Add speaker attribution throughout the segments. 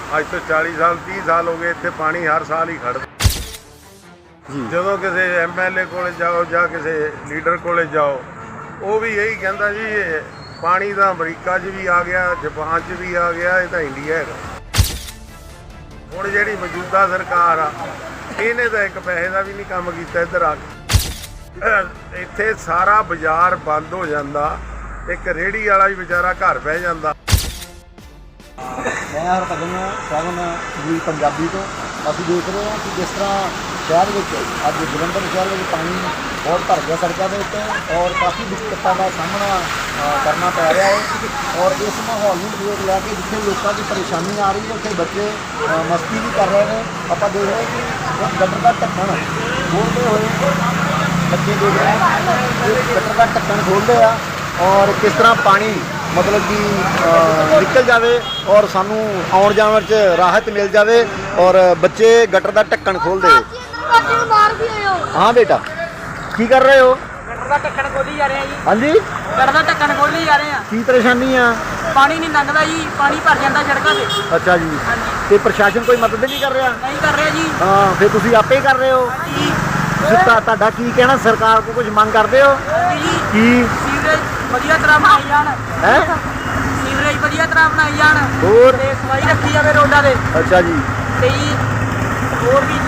Speaker 1: ਅੱਜ ਤੋਂ 40 ਸਾਲ 30 ਸਾਲ ਹੋ ਗਏ ਇੱਥੇ ਪਾਣੀ ਹਰ ਸਾਲ ਹੀ ਖੜਦਾ ਜੀ। ਜਦੋਂ ਕਿਸੇ MLA ਕੋਲੇ ਜਾਓ ਜਾਂ ਕਿਸੇ ਲੀਡਰ ਕੋਲੇ ਜਾਓ, ਉਹ ਵੀ ਇਹੀ ਕਹਿੰਦਾ ਜੀ ਇਹ ਪਾਣੀ ਤਾਂ ਅਮਰੀਕਾ 'ਚ ਵੀ ਆ ਗਿਆ, ਜਾਪਾਨ 'ਚ ਵੀ ਆ ਗਿਆ, ਇਹ ਤਾਂ ਇੰਡੀਆ ਹੈਗਾ। ਹੁਣ ਜਿਹੜੀ ਮੌਜੂਦਾ ਸਰਕਾਰ ਆ, ਇਹਨੇ ਤਾਂ ਇੱਕ ਪੈਸੇ ਦਾ ਵੀ ਨਹੀਂ ਕੰਮ ਕੀਤਾ। ਇੱਧਰ ਆ ਕੇ ਇੱਥੇ ਸਾਰਾ ਬਾਜ਼ਾਰ ਬੰਦ ਹੋ ਜਾਂਦਾ, ਇੱਕ ਰੇਹੜੀ ਵਾਲਾ ਵੀ ਵਿਚਾਰਾ ਘਰ ਬਹਿ ਜਾਂਦਾ।
Speaker 2: ਮੈਂ ਹਰਭਜਨ ਸਿੰਘ ਜੀ ਪੰਜਾਬੀ ਤੋਂ। ਅਸੀਂ ਦੇਖ ਰਹੇ ਹਾਂ ਕਿ ਜਿਸ ਤਰ੍ਹਾਂ ਸ਼ਹਿਰ ਵਿੱਚ ਅੱਜ ਜਲੰਧਰ ਸ਼ਹਿਰ ਵਿੱਚ ਪਾਣੀ ਬਹੁਤ ਭਰ ਗਿਆ ਸੜਕਾਂ ਦੇ ਉੱਤੇ ਔਰ ਕਾਫੀ ਦਿੱਕਤਾਂ ਦਾ ਸਾਹਮਣਾ ਕਰਨਾ ਪੈ ਰਿਹਾ ਹੈ। ਔਰ ਇਸ ਮਾਹੌਲ ਨੂੰ ਦੇਖ ਲੈ ਕੇ ਜਿੱਥੇ ਲੋਕਾਂ ਦੀ ਪਰੇਸ਼ਾਨੀ ਆ ਰਹੀ ਹੈ, ਉੱਥੇ ਬੱਚੇ ਮਸਤੀ ਵੀ ਕਰ ਰਹੇ ਨੇ। ਆਪਾਂ ਦੇਖ ਰਹੇ ਕਿ ਗਟਰ ਦਾ ਢੱਕਣ ਖੋਲ੍ਹਦੇ ਹੋਏ ਬੱਚੇ ਦੇਖ ਰਹੇ ਕਿ ਗਟਰ ਦਾ ਢੱਕਣ ਖੋਲ੍ਹਦੇ ਆ ਔਰ ਕਿਸ ਤਰ੍ਹਾਂ ਪਾਣੀ मतलब कि निकल जाए और सानू आउण जाण च राहत मिल जाए और बच्चे गटर का ढक्कन खोल दे। हाँ बेटा की कर रहे हो?
Speaker 3: गटर का ढक्कन खोली जा रहे हैं जी।
Speaker 2: हाँ जी
Speaker 3: गटर का ढक्कन खोली जा रहे हैं।
Speaker 2: की परेशानी है?
Speaker 3: पानी नहीं लंघदा जी, पानी भर जाता सड़कों से।
Speaker 2: अच्छा जी।
Speaker 3: हाँ जी।
Speaker 2: तो प्रशासन कोई मदद नहीं कर रहा?
Speaker 3: नहीं कर रहे जी।
Speaker 2: हाँ फिर तुसी आपे ही कर रहे हो
Speaker 3: जी।
Speaker 2: तुहाडा की कहना, सरकार को कुछ मंग करते हो की?
Speaker 3: सीवरेज ਵਧੀਆ ਤਰ੍ਹਾਂ ਬਣਾਈ ਜਾਣ
Speaker 2: ਹੈ,
Speaker 3: ਸੀਵਰੇਜ ਵਧੀਆ ਤਰ੍ਹਾਂ ਬਣਾਈ ਜਾਣ
Speaker 2: ਹੋਰ
Speaker 3: ਤੇ ਸਫਾਈ ਰੱਖੀ ਜਾਵੇ ਰੋਡਾਂ ਦੇ।
Speaker 2: ਅੱਛਾ ਜੀ।
Speaker 3: ਤੇ ਜੀ ਹੋਰ ਵੀ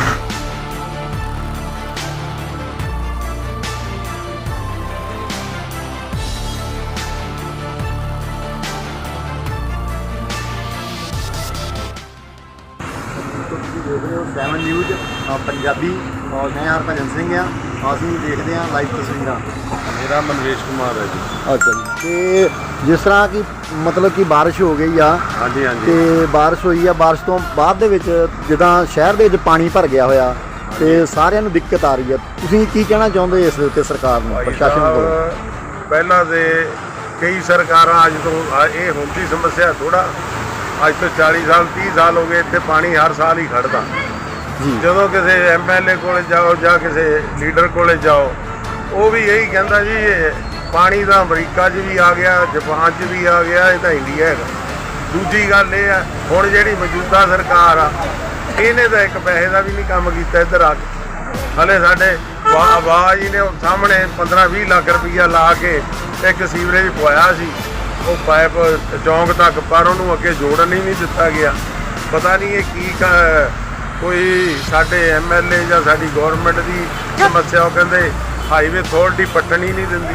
Speaker 2: ਤੁਸੀਂ ਦੇਖ ਰਹੇ ਹੋ 7 ਨਿਊਜ਼ ਪੰਜਾਬੀ ਔਰ ਮੈਂ ਹਰਭਜਨ ਸਿੰਘ ਆ। ਅਸੀਂ ਦੇਖਦੇ ਹਾਂ ਲਾਈਵ ਤਸਵੀਰਾਂ।
Speaker 1: ਮੇਰਾ ਮਨਵੇਸ਼ ਕੁਮਾਰ ਹੈ ਜੀ।
Speaker 2: ਅੱਛਾ ਜੀ। ਤੇ ਜਿਸ ਤਰ੍ਹਾਂ ਕਿ ਮਤਲਬ ਕਿ ਬਾਰਿਸ਼ ਹੋ ਗਈ ਆ,
Speaker 1: ਹਾਂਜੀ ਹਾਂਜੀ।
Speaker 2: ਤੇ ਬਾਰਿਸ਼ ਹੋਈ ਆ, ਬਾਰਿਸ਼ ਤੋਂ ਬਾਅਦ ਦੇ ਵਿੱਚ ਜਿੱਦਾਂ ਸ਼ਹਿਰ ਦੇ ਵਿੱਚ ਪਾਣੀ ਭਰ ਗਿਆ ਹੋਇਆ ਤੇ ਸਾਰਿਆਂ ਨੂੰ ਦਿੱਕਤ ਆ ਰਹੀ ਆ, ਤੁਸੀਂ ਕੀ ਕਹਿਣਾ ਚਾਹੁੰਦੇ ਇਸ ਦੇ ਉੱਤੇ ਸਰਕਾਰ ਨੂੰ, ਪ੍ਰਸ਼ਾਸਨ ਕੋਲ?
Speaker 1: ਪਹਿਲਾਂ ਦੇ ਕਈ ਸਰਕਾਰਾਂ ਅੱਜ ਤੋਂ ਇਹ ਹੁੰਦੀ ਸਮੱਸਿਆ ਥੋੜਾ, ਅੱਜ ਤੋਂ 40 ਸਾਲ 30 ਸਾਲ ਹੋ ਗਏ ਇੱਥੇ ਪਾਣੀ ਹਰ ਸਾਲ ਹੀ ਖੜਦਾ
Speaker 2: ਜੀ।
Speaker 1: ਜਦੋਂ ਕਿਸੇ MLA ਕੋਲੇ ਜਾਓ ਜਾਂ ਕਿਸੇ ਲੀਡਰ ਕੋਲੇ ਜਾਓ, ਉਹ ਵੀ ਇਹੀ ਕਹਿੰਦਾ ਜੀ ਇਹ ਪਾਣੀ ਤਾਂ ਅਮਰੀਕਾ 'ਚ ਵੀ ਆ ਗਿਆ, ਜਾਪਾਨ 'ਚ ਵੀ ਆ ਗਿਆ, ਇਹ ਤਾਂ ਇੰਡੀਆ ਹੈਗਾ। ਦੂਜੀ ਗੱਲ ਇਹ ਆ, ਹੁਣ ਜਿਹੜੀ ਮੌਜੂਦਾ ਸਰਕਾਰ ਆ, ਇਹਨੇ ਤਾਂ ਇੱਕ ਪੈਸੇ ਦਾ ਵੀ ਨਹੀਂ ਕੰਮ ਕੀਤਾ। ਇੱਧਰ ਆ ਕੇ ਹਲੇ ਸਾਡੇ ਆਵਾਜ਼ ਜੀ ਨੇ ਸਾਹਮਣੇ 15-20 ਲੱਖ ਰੁਪਈਆ ਲਾ ਕੇ ਇੱਕ ਸੀਵਰੇਜ ਪਵਾਇਆ ਸੀ, ਉਹ ਪਾਈਪ ਚੌਂਕ ਤੱਕ, ਪਰ ਉਹਨੂੰ ਅੱਗੇ ਜੋੜਨ ਹੀ ਨਹੀਂ ਦਿੱਤਾ ਗਿਆ। ਪਤਾ ਨਹੀਂ ਇਹ ਕੀ ਕੋਈ ਸਾਡੇ MLA ਜਾਂ ਸਾਡੀ ਗੌਰਮੈਂਟ ਦੀ ਸਮੱਸਿਆ। ਉਹ ਕਹਿੰਦੇ ਹਾਈਵੇ ਅਥਾਰਟੀ ਪੱਟਣ ਹੀ ਨਹੀਂ ਦਿੰਦੀ।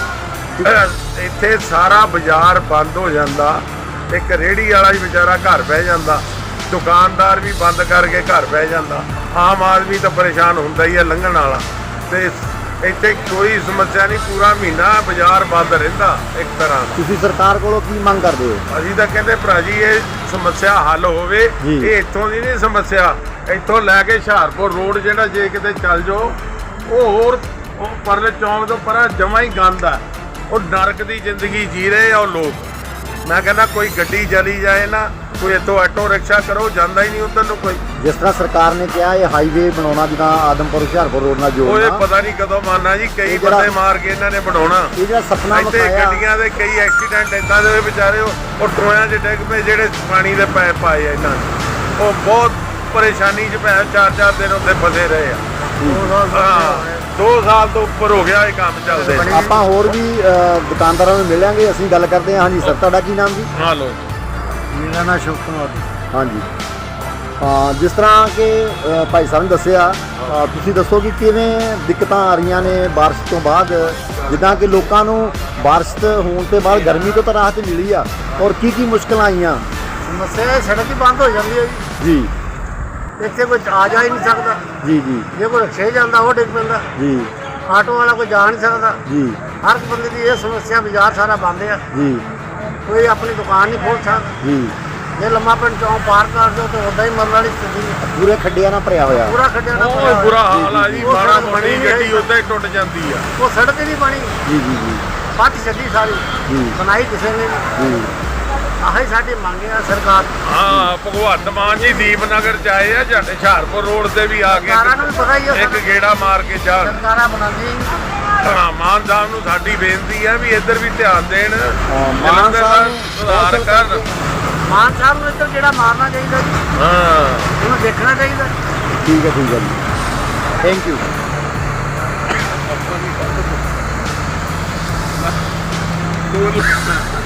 Speaker 1: ਇੱਥੇ ਸਾਰਾ ਬਾਜ਼ਾਰ ਬੰਦ ਹੋ ਜਾਂਦਾ, ਇੱਕ ਰੇਹੜੀ ਵਾਲਾ ਵੀ ਵਿਚਾਰਾ ਘਰ ਬਹਿ ਜਾਂਦਾ, ਦੁਕਾਨਦਾਰ ਵੀ ਬੰਦ ਕਰਕੇ ਘਰ ਬਹਿ ਜਾਂਦਾ, ਆਮ ਆਦਮੀ ਤਾਂ ਪਰੇਸ਼ਾਨ ਹੁੰਦਾ ਹੀ ਹੈ ਲੰਘਣ ਵਾਲਾ। ਤੇ ਇੱਥੇ ਕੋਈ ਸਮੱਸਿਆ ਨਹੀਂ, ਪੂਰਾ ਮਹੀਨਾ ਬਾਜ਼ਾਰ ਬੰਦ ਰਹਿੰਦਾ ਇੱਕ ਤਰ੍ਹਾਂ।
Speaker 2: ਤੁਸੀਂ ਸਰਕਾਰ ਕੋਲੋਂ ਕੀ ਮੰਗ ਕਰਦੇ ਹੋ?
Speaker 1: ਅਸੀਂ ਤਾਂ ਕਹਿੰਦੇ ਭਰਾ ਜੀ ਇਹ ਸਮੱਸਿਆ ਹੱਲ ਹੋਵੇ। ਇਹ ਇੱਥੋਂ ਦੀ ਨਹੀਂ ਸਮੱਸਿਆ, ਇੱਥੋਂ ਲੈ ਕੇ ਹੁਸ਼ਿਆਰਪੁਰ ਰੋਡ ਜਿਹੜਾ ਜੇ ਕਿਤੇ ਚੱਲ ਜਾਓ, ਉਹ ਪਰਲੇ ਚੌਂਕ ਤੋਂ ਪਰਾਂ ਜਮਾਂ ਹੀ ਗੰਦ ਆ। ਉਹ ਨਰਕ ਦੀ ਜ਼ਿੰਦਗੀ ਜੀ ਰਹੇ ਆ ਉਹ ਲੋਕ। ਮੈਂ ਕਹਿੰਦਾ ਕੋਈ ਗੱਡੀ ਚਲੀ ਜਾਏ ਨਾ, ਕੋਈ ਇੱਥੋਂ ਆਟੋ ਰਿਕਸ਼ਾ ਕਰੋ, ਜਾਂਦਾ ਹੀ ਨਹੀਂ ਉੱਧਰ ਨੂੰ ਕੋਈ।
Speaker 2: ਜਿਸ ਤਰ੍ਹਾਂ ਸਰਕਾਰ ਨੇ ਕਿਹਾ ਇਹ ਹਾਈਵੇ ਬਣਾਉਣਾ, ਜਿੱਦਾਂ ਆਦਮਪੁਰ ਹੁਸ਼ਿਆਰਪੁਰ ਰੋਡ ਨਾਲ ਜੋੜਨਾ,
Speaker 1: ਉਹ ਪਤਾ ਨਹੀਂ ਕਦੋਂ ਮਾਰਨਾ ਜੀ। ਕਈ ਬੰਦੇ ਮਾਰ ਕੇ ਇਹਨਾਂ ਨੇ ਬਣਾਉਣਾ।
Speaker 2: ਇਹ ਜਿਹੜਾ ਸੁਪਨਾ
Speaker 1: ਇੱਥੇ
Speaker 2: ਵਿਖਾਇਆ,
Speaker 1: ਗੱਡੀਆਂ ਦੇ ਕਈ ਐਕਸੀਡੈਂਟ ਇੱਦਾਂ ਦੇ ਹੋਏ ਵਿਚਾਰੇ, ਉਹ ਟੋਇਆਂ 'ਚ ਡਿੱਗ ਪਏ ਜਿਹੜੇ ਪਾਣੀ ਦੇ ਪਾਈਪ ਪਾਏ ਆ ਇਹਨਾਂ ਨੇ। ਉਹ ਬਹੁਤ ਪਰੇਸ਼ਾਨੀ 'ਚ ਪੈ 4-4 ਦਿਨ ਉੱਥੇ ਫਸੇ ਰਹੇ ਆ। 2 ਸਾਲ ਤੋਂ ਉੱਪਰ ਹੋ ਗਿਆ ਇਹ ਕੰਮ ਚੱਲਦੇ।
Speaker 2: ਆਪਾਂ ਹੋਰ ਵੀ ਦੁਕਾਨਦਾਰਾਂ ਨੂੰ ਮਿਲਾਂਗੇ, ਅਸੀਂ ਗੱਲ ਕਰਦੇ ਹਾਂ। ਹਾਂਜੀ ਸਰ, ਤੁਹਾਡਾ ਕੀ ਨਾਮ ਜੀ?
Speaker 1: ਹਾਂ ਲੋ,
Speaker 2: ਮੇਰਾ ਨਾਮ ਸ਼ੁਭ ਕੁਮਾਰ। ਹਾਂਜੀ। ਜਿਸ ਤਰ੍ਹਾਂ ਕਿ ਭਾਈ ਸਾਹਿਬ ਨੇ ਦੱਸਿਆ, ਤੁਸੀਂ ਦੱਸੋ ਕਿ ਕਿਵੇਂ ਦਿੱਕਤਾਂ ਆ ਰਹੀਆਂ ਨੇ ਬਾਰਿਸ਼ ਤੋਂ ਬਾਅਦ, ਜਿੱਦਾਂ ਕਿ ਲੋਕਾਂ ਨੂੰ ਬਾਰਿਸ਼ ਹੋਣ ਤੋਂ ਬਾਅਦ ਗਰਮੀ ਤੋਂ ਤਾਂ ਰਾਹਤ ਮਿਲੀ ਆ, ਔਰ ਕੀ ਕੀ ਮੁਸ਼ਕਲਾਂ ਆਈਆਂ?
Speaker 4: ਸਮੱਸਿਆ ਸੜਕ ਹੀ ਬੰਦ ਹੋ ਜਾਂਦੀ ਹੈ
Speaker 2: ਜੀ।
Speaker 4: ਇੱਥੇ ਕੋਈ ਆ ਜਾ ਹੀ ਨਹੀਂ ਸਕਦਾ
Speaker 2: ਜੀ ਜੀ
Speaker 4: ਜੇ ਕੋਈ ਰਿਕਸ਼ੇ ਜਾਂਦਾ ਉਹ ਡਿੱਗ ਪੈਂਦਾ
Speaker 2: ਜੀ।
Speaker 4: ਆਟੋ ਵਾਲਾ ਕੋਈ ਜਾ ਨਹੀਂ ਸਕਦਾ
Speaker 2: ਜੀ।
Speaker 4: ਹਰ ਬੰਦੇ ਦੀ ਇਹ ਸਮੱਸਿਆ, ਬਾਜ਼ਾਰ ਸਾਰਾ ਬੰਦ ਆ,
Speaker 2: ਜੀ
Speaker 4: ਕੋਈ ਆਪਣੀ ਦੁਕਾਨ ਨਹੀਂ ਖੋਲ੍ਹ ਸਕਦਾ।
Speaker 2: ਜੀ।
Speaker 4: ਜੇ ਲੰਮਾ ਪਿੰਡ ਚੌਂਕ ਪਾਰ ਕਰ ਦਿਓ ਤਾਂ ਉੱਦਾਂ ਹੀ ਮਰਨ ਵਾਲੀ ਸਥਿਤੀ ਹੈ।
Speaker 2: ਪੂਰੇ ਖੱਡਿਆਂ ਨਾਲ ਭਰਿਆ ਹੋਇਆ,
Speaker 4: ਪੂਰਾ ਖੱਡਿਆ ਨਾ
Speaker 1: ਉਹ ਬੁਰਾ ਹਾਲ ਆ ਜੀ। ਮਾੜਾ ਬਣੀ ਗੱਡੀ ਉੱਦਾਂ ਹੀ ਟੁੱਟ ਜਾਂਦੀ ਆ।
Speaker 4: ਉਹ ਸੜਕ ਹੀ ਨਹੀਂ ਬਣੀ,
Speaker 2: ਜੀ ਜੀ ਜੀ
Speaker 4: ਪੱਟ ਛੱਡੀ ਸਾਰੀ,
Speaker 2: ਜੀ
Speaker 4: ਬਣਾਈ ਕਿਸੇ ਨੇ ਨਹੀਂ।
Speaker 2: ਜੀ।
Speaker 4: ਆਹੀ ਸਾਡੀ ਮੰਗ ਹੈ ਸਰਕਾਰ।
Speaker 1: ਹਾਂ, ਭਗਵੰਤ ਮਾਨ ਜੀ ਦੀਪਨਗਰ ਚ ਆਏ ਆ, ਸਾਡੇ ਹੁਸ਼ਿਆਰਪੁਰ ਰੋਡ ਤੇ ਵੀ ਆ
Speaker 4: ਸਰਕਾਰਾਂ ਨੂੰ ਵੀ ਪਤਾ ਹੀ
Speaker 1: ਕੇ
Speaker 4: ਹੈ,
Speaker 1: ਇੱਕ ਗੇੜਾ ਮਾਰ ਕੇ ਜਾਣ।
Speaker 4: ਸਰਕਾਰਾਂ ਬਣਾਉਂਦੀਆਂ
Speaker 1: ਹਾਂ, ਮਾਨ ਸਾਹਿਬ ਨੂੰ ਸਾਡੀ ਬੇਨਤੀ ਹੈ ਵੀ ਇੱਧਰ ਵੀ ਧਿਆਨ ਦੇਣ,
Speaker 2: ਮਾਨ ਸਾਹਿਬ
Speaker 1: ਸੁਧਾਰ ਕਰਨ।
Speaker 4: ਮਾਨ ਸਾਹਿਬ ਨੂੰ ਇੱਧਰ ਜਿਹੜਾ ਮਾਰਨਾ ਚਾਹੀਦਾ ਜੀ,
Speaker 1: ਹਾਂ
Speaker 4: ਉਹਨੂੰ ਦੇਖਣਾ ਚਾਹੀਦਾ।
Speaker 2: ਠੀਕ ਹੈ ਜੀ ਥੈਂਕ ਯੂ।
Speaker 1: ਕੋਲ